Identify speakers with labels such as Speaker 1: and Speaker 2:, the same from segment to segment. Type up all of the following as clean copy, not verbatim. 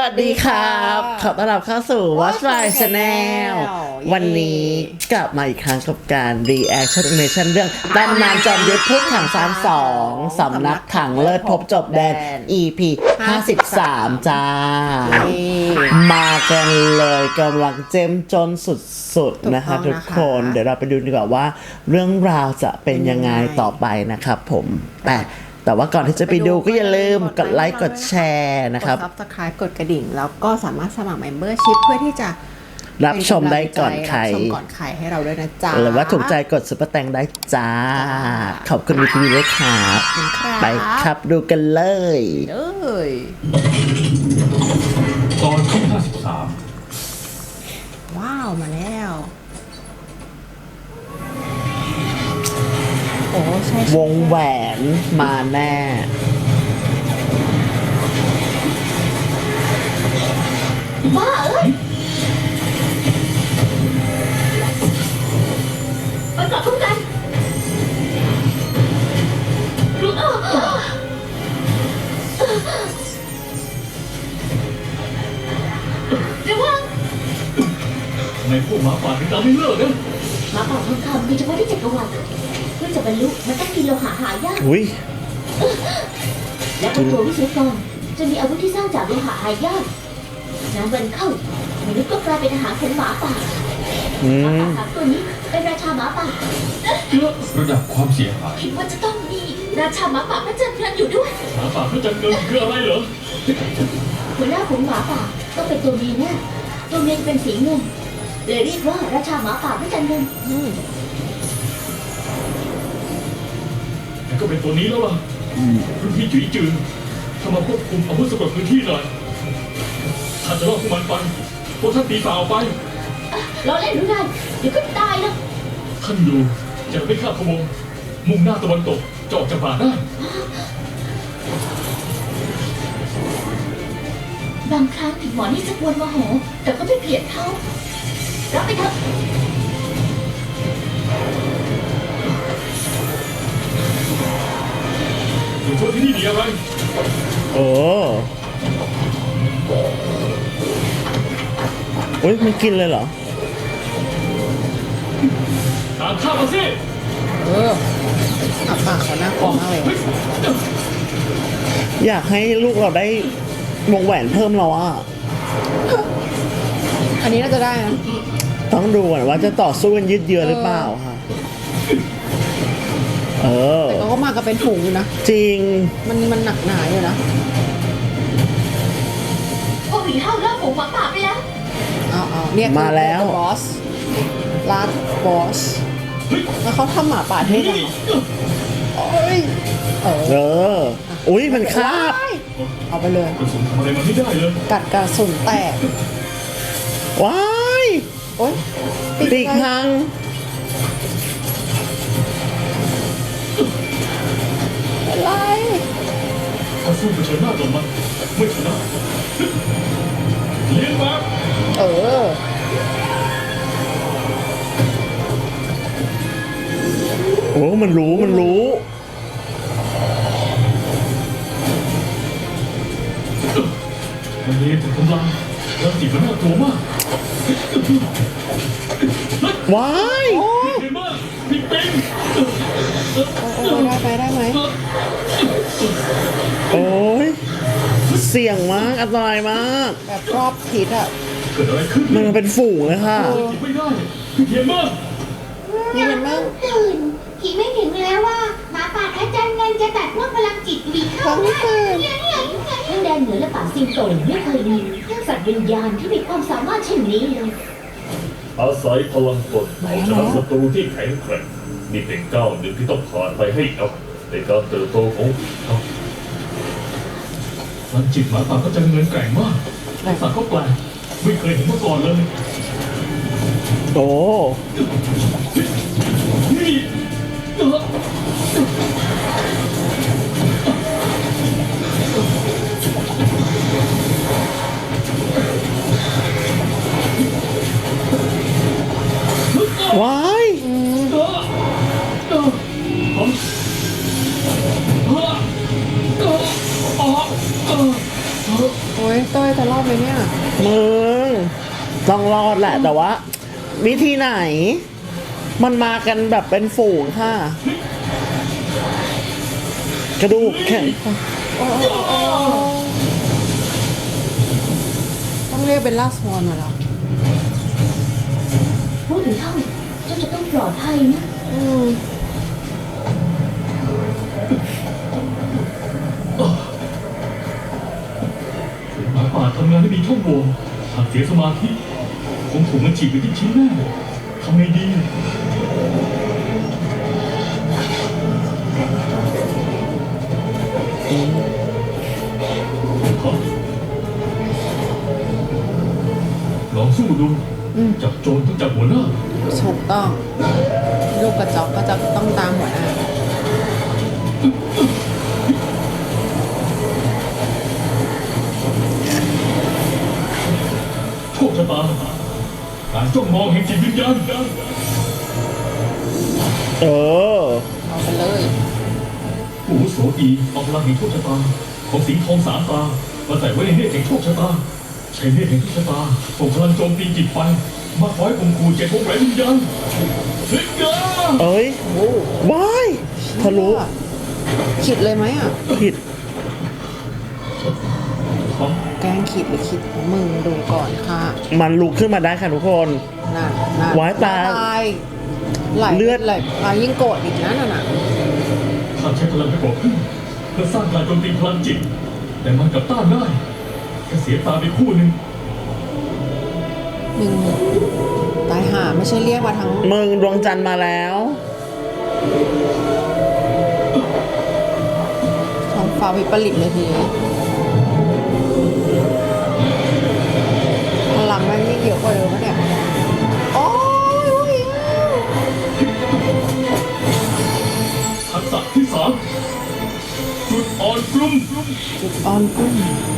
Speaker 1: วัสดีครับขอต้อนรับเข้าสู่ Watch My Channel วันนี้กลับมาอีกครั้งกับการ Reaction Animation เรื่องตำนานจอมยุทธพุทธถังซาน2สำนักถังเลิศพบจบแดน EP 53 จ้า มากันเลยกำลังเจ้มจนสุดๆนะคะทุกคนเดี๋ยวเราไปดูดีกว่าว่าเรื่องราวจะเป็นยังไงต่อไปนะครับผมแต่ว่าก่อนที่จะไปดูก็อย่าลืมกดไลค์กดแชร์นะครับ
Speaker 2: กด Subscribe กดกระดิ่งแล้วก็สามารถสมัคร Membership เพื่อที่จะ
Speaker 1: รับชมได้ก่อนใคร
Speaker 2: รับชมก่อนใครให้เราด้วยนะจ๊ะ
Speaker 1: หรือว่าถูกใจกดซุปเปอร์แตงได้จ้าขอบคุณวีทีวีด้วยครับไปครับดูกันเลย
Speaker 3: ตอนที่53
Speaker 2: ว้าวมาแล้วโอ้ใช่
Speaker 1: วงแหวนมาแน่
Speaker 4: บ้าเอ้ยไปกลับทุกกันระวัง
Speaker 3: ทำไมพวกหมาป่าถึงตามไม่เลิกนะ
Speaker 4: หมาป่าทองคำมีเฉพาะที่จักรวาลเพื่อจะบรรลุมันต้องกินโลหะหายาก
Speaker 1: อุ้ย
Speaker 4: และพวกตัววิศวกรจะมีอาวุธที่สร้างจากโลหะหายากน้ำวันเข้ามนุษย์ก็กลายเป็นอาหารของหมาป่าหมาป่าสามตัวนี้เป็นราชาหมาป่า
Speaker 3: ระดับความเสียหาย
Speaker 4: คิดว่าจะต้องมีราชาหมาป่าพระจันทร์เพลินอยู่ด้วย
Speaker 3: หมาป่าพระจันทร์เงินคืออะไรเหรอ
Speaker 4: หัวหน้าของหมาป่าต้องเป็นตัวเมียแน่ตัวเมียเป็นสีเงินเลยเรียกว่าราชาหมาป่าพระจันทร์เงิน
Speaker 3: แต่ก็เป็นตัวนี้แล้วล่ะรุ่นพี่จุ๋ยจือถ้ามาควบคุมอาวุธสำหรับพื้นที่หน่อยถ้าจะรอดพวกมันไปพวกท่านตีฝ่าออกไป
Speaker 4: เราเล่นหรือไงเดี๋ยวก็ตายแล้ว
Speaker 3: ท่านอยู่จะไม่ข้ามขบวนมุ่งหน้าตะวันตกจะออกจากป่าได้
Speaker 4: บางครั้งถึงหมอนี่จะปวดโมโหแต่ก็ไม่เพียดเขารับไปเถอะ
Speaker 3: อยู่ช่วยที่นี่ดีอะไร
Speaker 1: โอ้มันกินเลยเหรอ
Speaker 3: ตามข้ามาสิ
Speaker 2: อับปากเขาน่ากลัวมากเลย
Speaker 1: อยากให้ลูกเราได้วงแหวนเพิ่มเราอ่ะ
Speaker 2: อันนี้น่าจะได้นะ
Speaker 1: ต้องดูก่อนว่าจะต่อสู้กันยืดเยื้อหรือเปล่าค่ะ
Speaker 2: แต่ก็มากันเป็นฝูงอยู่นะ
Speaker 1: จริง
Speaker 2: มันหนักหนาอยู่นะ
Speaker 4: พวกผีเข้าเลิกฝูงหมาป่าไปแล้ว
Speaker 2: เนี่ย
Speaker 1: มาแล้ว
Speaker 2: บอสลาดบอสแล้วเขาทำหมาป่าเท่จัง
Speaker 1: อุ้ยมันคาบ
Speaker 2: เอาไปเลย
Speaker 3: กระสุนทำอะไรมันไม่ได้เลย
Speaker 2: กัดกระสุนแตก
Speaker 1: ว้าย
Speaker 2: โอ๊ย
Speaker 1: ปีกหัง
Speaker 2: อะไร
Speaker 3: ถ้าสู้เผชิญหน้ากับมันไม่ชนะเลี้ยงมา
Speaker 1: โอ้มันรู้
Speaker 3: วันนี้ถึงกำลังแล้วจีบมันน่ากลัวมาก
Speaker 1: ว้าย
Speaker 3: เห็นมากพี่ปิง
Speaker 2: ได้ไหม
Speaker 1: โอ้ยเสี่ยงมากอันตรายมาก
Speaker 2: แบบรอบทิศอ่ะ
Speaker 3: เกิดอะไรขึ้น
Speaker 1: มันเป็นฝูงเลยค่ะ
Speaker 3: ไม่ได้เห็นมาก
Speaker 4: ตื่นผีไม่ถึงแล้วว่าหมาป่าพระจันทร์เงินจะตัดพวกพลังจิตวีเข้าได้ทั้งแดนเหนือและป่าสิงโตไม่เคยมีทั้งสัตว์วิญญาณที่มีความสามารถเช่นนี้เลย
Speaker 3: อาศัยพลังกดเอาชนะศัตรูที่แข็งแกร่งนี่เป็นก้าวหนึ่งที่ต้องผ่านไปให้เอาในการเติบโตของเขามันจิตหมาป่าก็จะเงินแกร่งมากแต่สัตว์ก็แปลกไม่เคยเห็นมาก่อนเลย
Speaker 1: โอ้ว้าย
Speaker 2: โอ้ยเต้ยจะรอดไหมเนี่ย
Speaker 1: มึงต้องรอดแหละแต่ว่า วิธีไหน มันมากันแบบเป็นฝูงค่ะ กระดูกแข็ง
Speaker 2: ต้องเรียกเป็นล่าสวอนมาแล้ว
Speaker 4: พูดถึงเท่าเจ้าจะต้องปลอดภัยนะ
Speaker 3: หมาป่าทำงานไม่มีช่องโหว่หากเสียสมาธิคงถูกมันฉีกไปที่ชิ้นแน่ทำไงดีลองสู้ดูจับโจรต้องจับหัวหน้า
Speaker 2: ถูกต้อง ลูกกระจอกก็จะต้องตามหัวหน้า
Speaker 3: โชคชะตาการจ้องมองแห่งจิตวิญญาณ
Speaker 1: เออ
Speaker 2: เอาไปเลย
Speaker 3: ผู้อาวุโสอีเอาพลังแห่งโชคชะตาของสิงห์ทองสามตามาใส่ไว้ในเนตรแห่งโชคชะตาใช้เนตรแห่งโชคชะตาส่งพลังโจมตีจิตไปมาคอยข่มขู่เจ็ดวงแหวนวิญญาณเฮ้ยกา
Speaker 1: เอ้ยว้ายทะลุ
Speaker 2: ขิดเลยไหมอ่ะ
Speaker 1: ผิด
Speaker 2: แกล้งขิดหรือขิดของมึงดูก่อนค่ะ
Speaker 1: มันลุกขึ้นมาได้ค่ะทุกคน
Speaker 2: นั่นนั่น
Speaker 1: ว้ายตาย
Speaker 2: ไหล
Speaker 1: เลือด
Speaker 2: ไหลยิ่งโกรธอีกนะนั่นน่ะ
Speaker 3: ข้าใช้พลังไปบอกขึ้นเพื่อสร้างการโจมตีพลังจิต แต่มันกลับต้านได้แค่เสียตาไปคู่หนึ่ง
Speaker 2: มึงตายห่าไม่ใช่เรียกมาทั้ง
Speaker 1: มึงดวงจันทร์มาแล้ว
Speaker 2: ท้องฟ้าวิปริตเลยทีนี้พลังแม่งยิ่งเยอะกว่าเดิมปะเนี่ยโอ้ย
Speaker 3: ทักษะที่สามจุดอ่อนกลุ่ม
Speaker 2: จุดอ่อนกุ้ง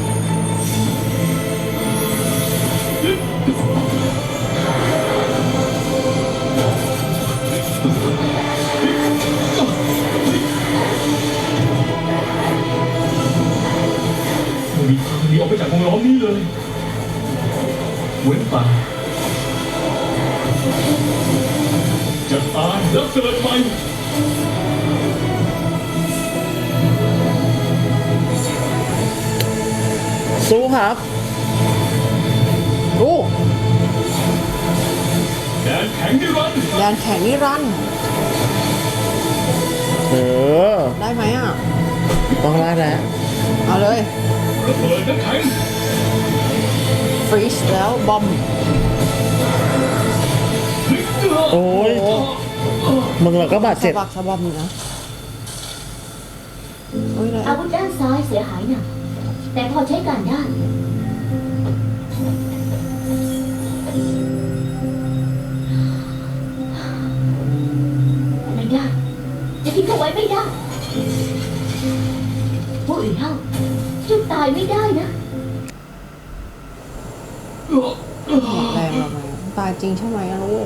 Speaker 3: ไม่มีทางหนีออกไปจากวงล้อมนี้เลยเว้นแต่จะตายแล้วเกิดใหม่
Speaker 1: สู้ครับ
Speaker 2: โอ้
Speaker 3: แดนแข็งนิรันดร์
Speaker 2: แดนแข็งนี่รันดร์
Speaker 1: เออ
Speaker 2: ได้ไหมอ่ะ
Speaker 1: ต้องได้แล้ว
Speaker 2: เอาเลย
Speaker 3: ระเบิดน้ำแข็ง
Speaker 2: ฟรีชแล้วบอม
Speaker 1: โอ้ย มึงเราก็บาด
Speaker 2: สะ
Speaker 1: เจ็บ
Speaker 2: บักสะบอมอยู่นะโอ้ยเลย
Speaker 4: อาวุธด้านซ้ายเสียหายหนักแต่พอใช้การได้ไม่ได้จะทิ้งเขาไว้ไม่ได้ผู้อื่นเท่าเจุดตายไม่ได้นะ
Speaker 2: หมดแรงเราไหมตายจริงใช่ไหมอะลูก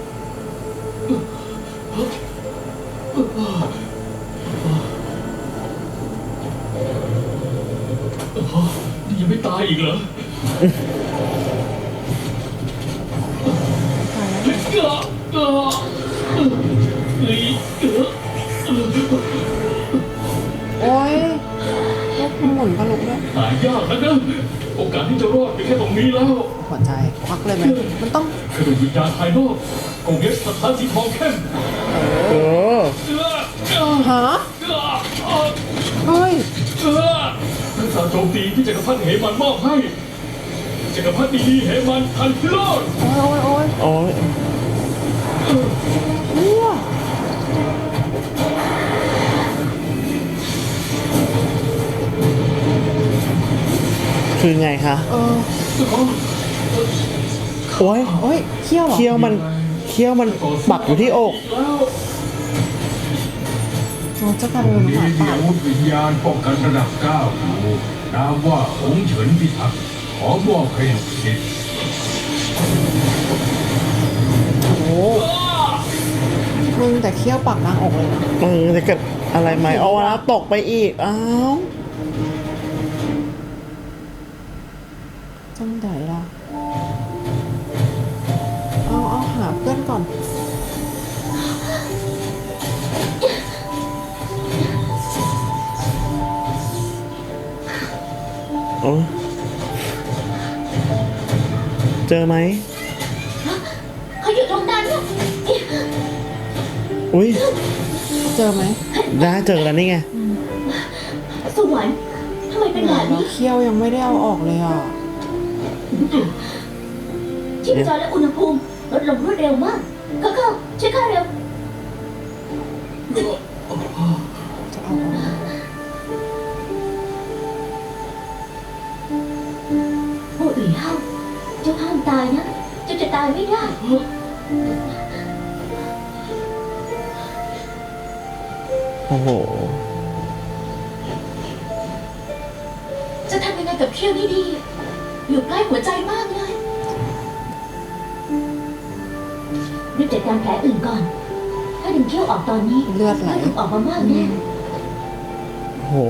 Speaker 3: นี่ยังไม่ตายอีกเหรอ
Speaker 2: ตายแล้ว โอ้ยลูกมันหมุนก็ลุกด้วย
Speaker 3: ตายยากแล้วนะโอกาสที่จะรอดเป็นแค่ตรงนี้แล้ว
Speaker 2: หัวใจควักเลยไหมมันต้อง
Speaker 3: กระดูกวิญญาณภายนอกกงเล็กสถานสีทองเข้ม
Speaker 1: เออ
Speaker 2: ฮะเฮ้ย
Speaker 3: ทักษะโจมตีที่จักรพรรดิเหมันมอบให้จักรพรรดิดีเหมันทันพิโรธ
Speaker 2: โอ้ยโอ้ย
Speaker 1: โอ้ย
Speaker 2: โอ้ย
Speaker 1: คือไงคะ
Speaker 2: เออ
Speaker 1: โอ้ย
Speaker 2: โอ้ยเขี้ยวเหรอ
Speaker 1: เคี้ยวมันปักอยู่ที่อก
Speaker 2: โอ้จะกลายเป็นห
Speaker 5: มี
Speaker 2: มา
Speaker 5: มี
Speaker 2: ป่า
Speaker 5: อาวุธวิญญาณป้องกันระดับ9อยู่นามว่าองค์เฉินพิทักษ์ขอมอบให้ลูกศิษย์
Speaker 2: โอ้มึงแต่เขี้ยวปักกลางอกเลยนะ
Speaker 1: มึงจะเกิดอะไรไหมเอาแล้วตกไปอีก อ้าว
Speaker 2: จังไดล่ะเอาหาเพื่อนก่อน
Speaker 1: โอ้เจอไหม
Speaker 4: เขาอยู่ตรงนั้นน่ะ
Speaker 1: อุ้ย
Speaker 2: เจอไหม
Speaker 1: ได้เจอแล้วนี่ไง
Speaker 4: สวรรค์ทำไมเป็นแบบ
Speaker 2: แล้ว
Speaker 4: นี้
Speaker 2: เขี้ยวยังไม่ได้เอาออกเลยอ่ะ
Speaker 4: ชีพจรและอุณหภูมิลดลงรวดเร็วมากเขาช่วยข้าเร็ว
Speaker 2: จะเอาออก
Speaker 4: โอ้ยเฮาเจ้าห้ามตายนะเจ้าจะตายไม่ได้
Speaker 1: โอ้โห
Speaker 4: จะทำยังไงกับเขี้ยวนี่ดี อยู่ใกล้หัวใจมากเลยรีบจัดการแผลอื่นก่อน ถ้าดึงเขี้ยวออกตอนนี้
Speaker 2: เลือดไหล
Speaker 4: ถูกออกมามากแน่
Speaker 1: โอ้โห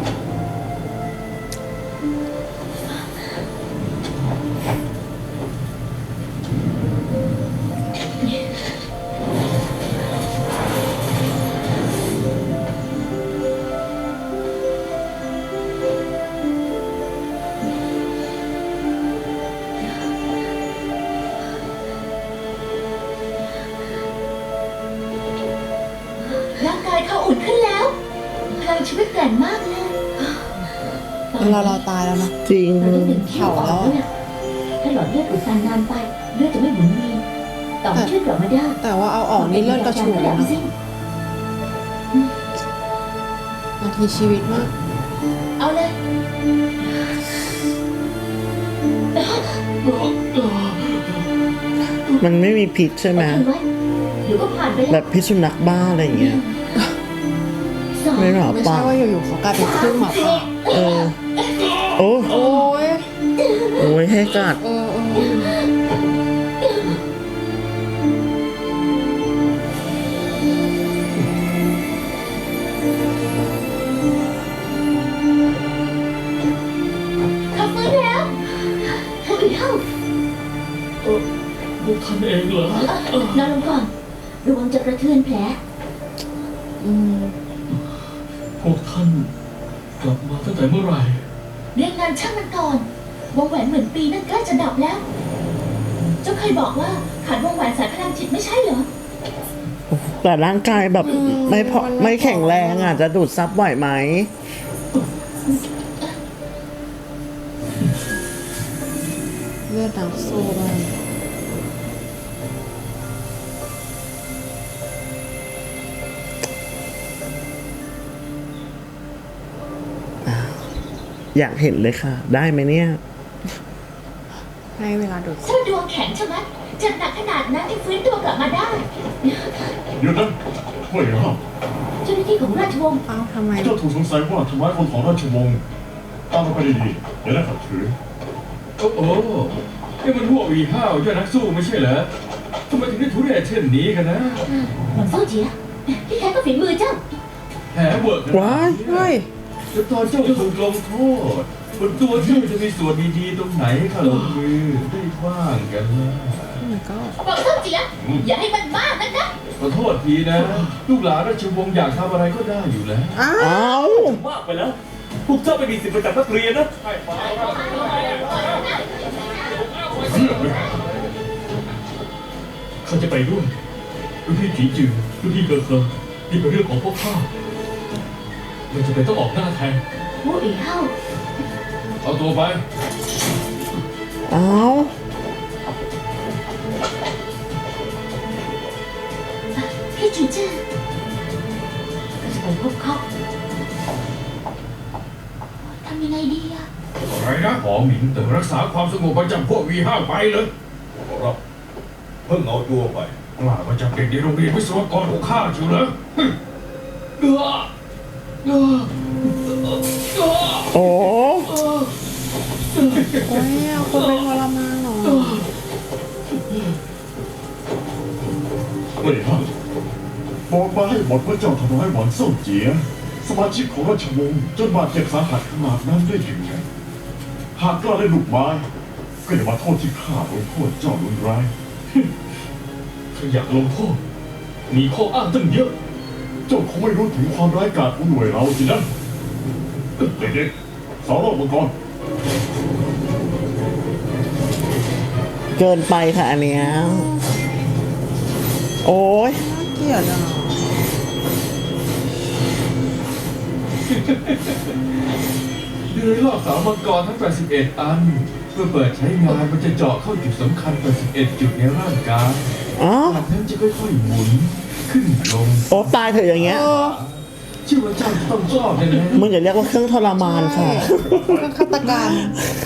Speaker 4: ร่างกายเขาอุ่นขึ้นแล้วพลังชีวิตแกร่งมากเลย
Speaker 2: เราตายแล้วนะ
Speaker 1: จริง
Speaker 4: เราได้ดึงเขี้ยวออกแล้วนะถ้าหลอดเลือดอุดตันนานไปเลือดจะไม่หมุนเวียนต่อมช่วยกลับมาได้
Speaker 2: แต่ว่าเอาออกนี่เลือดกระฉูดแล้วนะนาทีชีวิตมาก
Speaker 4: เอาเลย
Speaker 1: มันไม่มีพิษใช่ไหม
Speaker 4: อดทนไว้เดี๋ยวก็ผ่านไป
Speaker 1: แบ
Speaker 4: แล้ว
Speaker 1: บพิษสุนัขบ้าอะไรอย่างเงี้ย
Speaker 4: สอง
Speaker 1: ไม่หรอ
Speaker 2: ไม่
Speaker 1: ป่ะ
Speaker 2: ใช่ว่าอยู่ๆเขากลายเป็นครึ่งหมาป่า
Speaker 1: เออ โอ้
Speaker 2: โอ้ย
Speaker 1: โอ้ยให้กัด
Speaker 2: เออ
Speaker 4: เขาฟื้นแล้วพวกอีเท่า
Speaker 3: พวกท่านเองเหรอ
Speaker 4: นอนลงก่อนระวังจะกระเทือนแผล
Speaker 2: อืม
Speaker 3: พวกท่านกลับมาตั้งแต่เมื่อไหร่
Speaker 4: เรียกงานช่างมันก่อนวงแหวนเหมือนปีนั่นใกล้จะดับแล้ว เจ้าเคยบอกว่าขาดวงแหวนสายพลังจิตไม่ใช่เหรอ
Speaker 1: แต่ร่างกายแบบไม่แข็งแรงอ่ะ จะดูดซับไหวไหม
Speaker 2: เลือดนักสู้บ้าง
Speaker 1: อยากเห็นเลยค่ะ ได้ไหมเนี่ย
Speaker 2: ให้เวลาดูด
Speaker 4: เจ้าดวงแข็งใช่ไหมเจ็บหนักขนาดนั้นที่ฟื้นตัวกลับมาได้
Speaker 3: เดี๋ยวนะเฮ้ยครับ
Speaker 4: เจ้าหน้าที่ของราชวงศ์
Speaker 2: เอ้าทำไม
Speaker 3: เจ้าถูกสงสัยว่าทำร้ายคนของราชวงศ์ตามมาไปดีๆเดี๋ยวได้ขัดขืน
Speaker 5: โอ้โหนี่มันพวกวีห้าวยอดนักสู้ไม่ใช่เหรอทำไมถึงได้ทุเรศเช่นนี้กันนะ
Speaker 4: หลังเฝ้าเจียที่แท้ก็ฝีมือเจ้า
Speaker 5: แผลเวิร์กขนาด
Speaker 1: ว้าย
Speaker 5: นี้
Speaker 2: เฮ้ย
Speaker 5: แล้วตอนเจ้าถูกลงโทษบนตัวเจ้าจะมีส่วนดีๆตรงไหนให้ข้าลงมือได้บ้างกันล่ะ
Speaker 2: โอ้ my god
Speaker 4: หลังเฝ้าเจียอย่าให้มันมากนักนะ
Speaker 5: ขอโทษทีนะ ลูกหลานราชวงศ์อยากทำอะไรก็ได้อยู่แล้ว
Speaker 2: อ้าว
Speaker 1: อ้าว
Speaker 3: มากไปแล้ว พวกเจ้าไม่มีสิทธิ์ประจับนักเรียนนะข้าจะไปด้วยรุ่นพี่จีจือรุ่นพี่เกิดเคิงนี่เป็นเรื่องของพวกข้าไม่จำเป็นต้องออกหน้าแทน
Speaker 4: พวกอีเท่า
Speaker 5: เอาตัวไป
Speaker 1: อ้าว
Speaker 4: พี่จีจื้อก็จะไปพบเขาทำยังไงดีอะ
Speaker 5: อะไรนะหอหมิงแต่รักษาความสงบประจำพวกวีห้าไปเลยครับเพิ่งเอาตัวไปกล้ามาจับเด็กในโรงเรียนวิศวกรของข้าอยู่เหรอ
Speaker 1: โอ้
Speaker 2: โอ้ยเอาคนไปทรมานเหรอ
Speaker 3: ไม่ครับบอกมาให้หมดว่าเจ้าทำร้ายหวังเซ่าเจีย สมาชิกของราชวงศ์จนบาดเจ็บสาหัสขนาดนั้นได้ยังไงหากกล้าได้ลูกไม้ก็อย่ามาโทษที่ข้าลงโทษเจ้ารุนแรง ถ้าอยากลงโทษมีข้ออ้างตั้งเยอะ เจ้าคงไม่รู้ถึงความร้ายกาจของหน่วยเราสินะเด็กๆสาวรอบมังกร
Speaker 1: เกินไปค่ะอันเนี้ยโอ้ย
Speaker 2: เกลียดอ่ะ
Speaker 5: เดือยลอกเสามังกรทั้ง 81 อัน เพื่อเปิดใช้งานมันจะเจาะเข้าจุดสำคัญ 81 จุดในร่างกาย
Speaker 1: อ๋อ
Speaker 5: จากนั้นจะค่อยๆหมุนขึ้นลง
Speaker 1: โอ้ตายเถอะอย่างเงี้ย
Speaker 5: เชื่อว่าเจ้าจะต้องชอบแน่
Speaker 1: มึงอย่าเรียกว่าเครื่องทรมานค่ะ
Speaker 2: เครื่องฆาตกรรม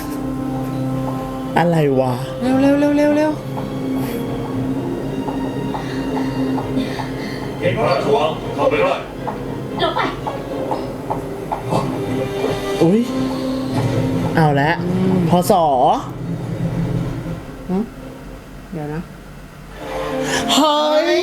Speaker 1: อะไรวะ
Speaker 2: เร็วเร็วเร็วเร็วเร็ว
Speaker 3: เห็นพระราชวังเข้าไปได้
Speaker 4: ลงไป
Speaker 1: อุ้ยเอาละพศ
Speaker 2: เดี๋ยวนะ
Speaker 1: เฮ้ย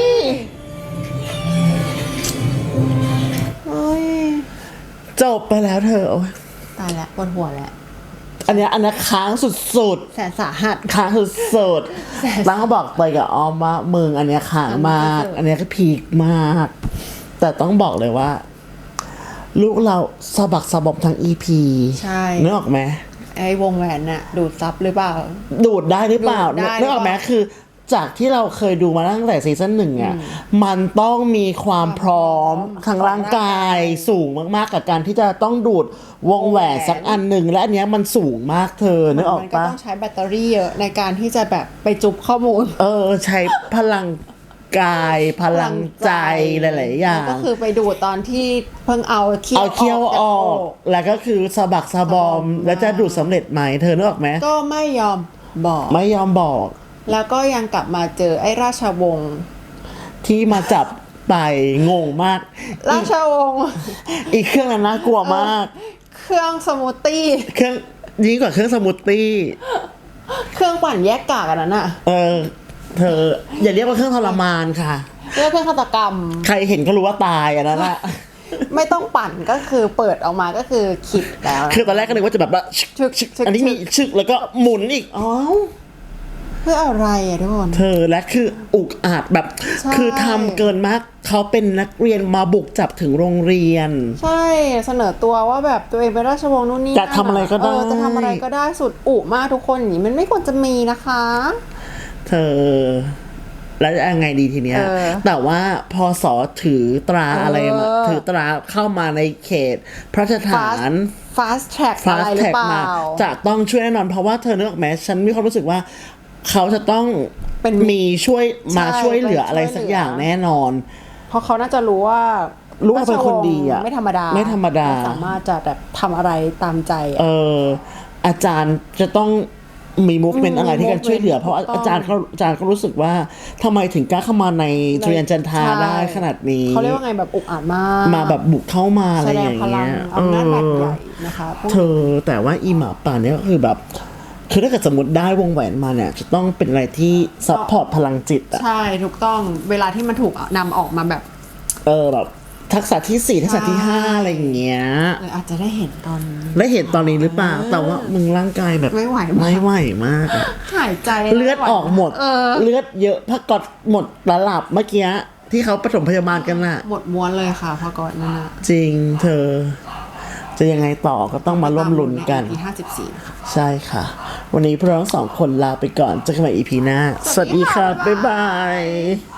Speaker 2: เฮ้ย
Speaker 1: จบไปแล้วเธอโอ้ย
Speaker 2: ตายแล้วปวดหัวแล้ว
Speaker 1: อันเนี้ยค้างสุด
Speaker 2: แสนสาหัส
Speaker 1: ๆค้างสุดๆแล้วก็บอกไปกับออมว่ามึงอันเนี้ยค้างมาก
Speaker 2: สุดๆ
Speaker 1: อันเนี้ยก็พีคมาก แต่ต้องบอกเลยว่า ลูกเราสะบักสะบอมทั้ง EP
Speaker 2: ใช่
Speaker 1: นึกออกไหม
Speaker 2: ไอ้วงแหวนน่ะ ดูดซับหรือเปล่า
Speaker 1: ดูดได้หรือเปล่า
Speaker 2: ดูดได้
Speaker 1: นึกออกไหม
Speaker 2: หรือเปล่า
Speaker 1: คือจากที่เราเคยดูมาตั้งแต่ซีซั่นหนึ่งอ่ะมันต้องมีความพร้อมทางร่างกายสูงมากๆกับการที่จะต้องดูดวงแหวนสักอันหนึ่งและอันเนี้ยมันสูงมากเธอนึกออก
Speaker 2: มันก็
Speaker 1: ปะ
Speaker 2: ต้องใช้แบตเตอรี่เยอะในการที่จะแบบไปจุบข้อมูล
Speaker 1: ใช้พลังกายพลังใจหลายๆอย่าง
Speaker 2: ก็คือไปดูดตอนที่เพิ่งเอาเขี้ยว
Speaker 1: เอาเคี้ยวออก
Speaker 2: จาก
Speaker 1: แล้วก็คือสะบักสะบอม แล้วจะดูดสำเร็จไหมเธอนึกออกไหม
Speaker 2: ก็ไม่ยอมบอก
Speaker 1: ไม่ยอมบอก
Speaker 2: แล้วก็ยังกลับมาเจอไอ้ราชวงศ์
Speaker 1: ที่มาจับไปงงมาก
Speaker 2: ราชวงศ์
Speaker 1: อีกเครื่องนั้นน่ากลัวมาก
Speaker 2: เครื่องสมูทตี้
Speaker 1: เครื่องยิ่งกว่าเครื่องสมูทตี้
Speaker 2: เครื่องปั่นแยกกากอันนั้นอ่ะ
Speaker 1: เธออย่าเรียกว่าเครื่องทรมานค่ะ
Speaker 2: เรียกเครื่องฆาตกรรม
Speaker 1: ใครเห็นก็รู้ว่าตายอันนั้นแหละ
Speaker 2: ไม่ต้องปั่นก็คือเปิดออกมาก็คือคิดแล้วนะ
Speaker 1: คือตอนแรกก็นึกว่าจะแบบว่า
Speaker 2: ชึกชึกชึก
Speaker 1: อันนี้มีชึกแล้วก็หมุนอีกอ๋อ
Speaker 2: เพื่ออะไรอ่ะทุกคน
Speaker 1: เธอและคืออุกอาจแบบ
Speaker 2: ใช่
Speaker 1: คือทำเกินมากเขาเป็นนักเรียนมาบุกจับถึงโรงเรียน
Speaker 2: ใช่เสนอตัวว่าแบบตัวเองเป็นราชวงศ์นู่นนี่
Speaker 1: จะทำอะไรก็ได้
Speaker 2: จะทำอะไรก็ได้สุดอุมากทุกคนอย่างนี้มันไม่ควรจะมีนะคะ
Speaker 1: เธอ แล้วจะยังไงดีทีเนี้ย แต่ว่าพอสอถือตราอะไรมาถือตราเข้ามาในเขต พระราชฐาน
Speaker 2: fast track อะไร
Speaker 1: fast
Speaker 2: หรือ
Speaker 1: track
Speaker 2: เปล่า
Speaker 1: มาจะต้องช่วยแน่นอนเพราะว่าเธอนึกออกไหมฉันมีความรู้สึกว่า เขาจะต้อง
Speaker 2: เป็น
Speaker 1: มีช่วยมา
Speaker 2: ใช่
Speaker 1: ช่วยเหลือ
Speaker 2: เป็น
Speaker 1: อะไร
Speaker 2: ช่วย
Speaker 1: สัก
Speaker 2: เหลือ
Speaker 1: อ
Speaker 2: อย่าง
Speaker 1: แน่นอน
Speaker 2: เพราะเขาน่าจะรู้ว่า
Speaker 1: รู้ว่าเป็นคนดีอะ
Speaker 2: ไม่ธรรมดา
Speaker 1: ไม่ธรรมดา
Speaker 2: สามารถจะแบบทำอะไรตามใจ
Speaker 1: อาจารย์จะต้องมีมูฟเมนต์อะไรที่กันช่วยเหลือ เพราะ
Speaker 2: ถูกต้อง
Speaker 1: อาจารย์ก็รู้สึกว่าทำไมถึงกล้าเข้ามาในทุเรียนจันทรา
Speaker 2: ใช่
Speaker 1: ได้ขนาดนี้
Speaker 2: เขาเรียกว่าไงแบบอุกอาจมาก
Speaker 1: มาแบบบุกเข้ามาอะไร
Speaker 2: แสด
Speaker 1: อง ย่าง
Speaker 2: พลั
Speaker 1: เงี้
Speaker 2: ง
Speaker 1: ย
Speaker 2: อำนาจบาดใหญ่นะคะพวก
Speaker 1: เธอแต่ว่าอีหมาป่าเนี่ยก็คือแบบ คือถ้าเกิดสมมติได้วงแหวนมาเนี่ย จะต้องเป็นอะไรที่ซัพพอร์ตพลังจิตอะ
Speaker 2: ใช่ถูกต้องเวลาที่มันถูกนำออกมาแบบ
Speaker 1: แบบทักษะที่ 4 ทักษะที่ 5 อะไรอย่างเงี้ย
Speaker 2: อาจจะได้เห็นตอน
Speaker 1: ได้เห็นตอนนี้หรือเปล่า แต่ว่ามึงร่างกายแบบ
Speaker 2: ไม่ไหวมาก
Speaker 1: ไม่ไหวมากอะ
Speaker 2: หายใจ
Speaker 1: เลือดออกหมด
Speaker 2: เลือด
Speaker 1: เลือดเยอะพักกอดหมดตลับเมื่อกี้ที่เขาปฐมพยาบาลกันน่ะ
Speaker 2: หมดม้วนเลยค่ะพอก่อนนั่นนะ
Speaker 1: จริงเธอ จะยังไงต่อก็ต้องมาร่วมลุ้นกัน
Speaker 2: ใน EP 54นะคะ
Speaker 1: ใช่ค่ะ วันนี้พวกเราทั้งสองคนลาไปก่อนเจอกันใหม่ EP หน้า สวัสดีค่ะ บ๊ายบาย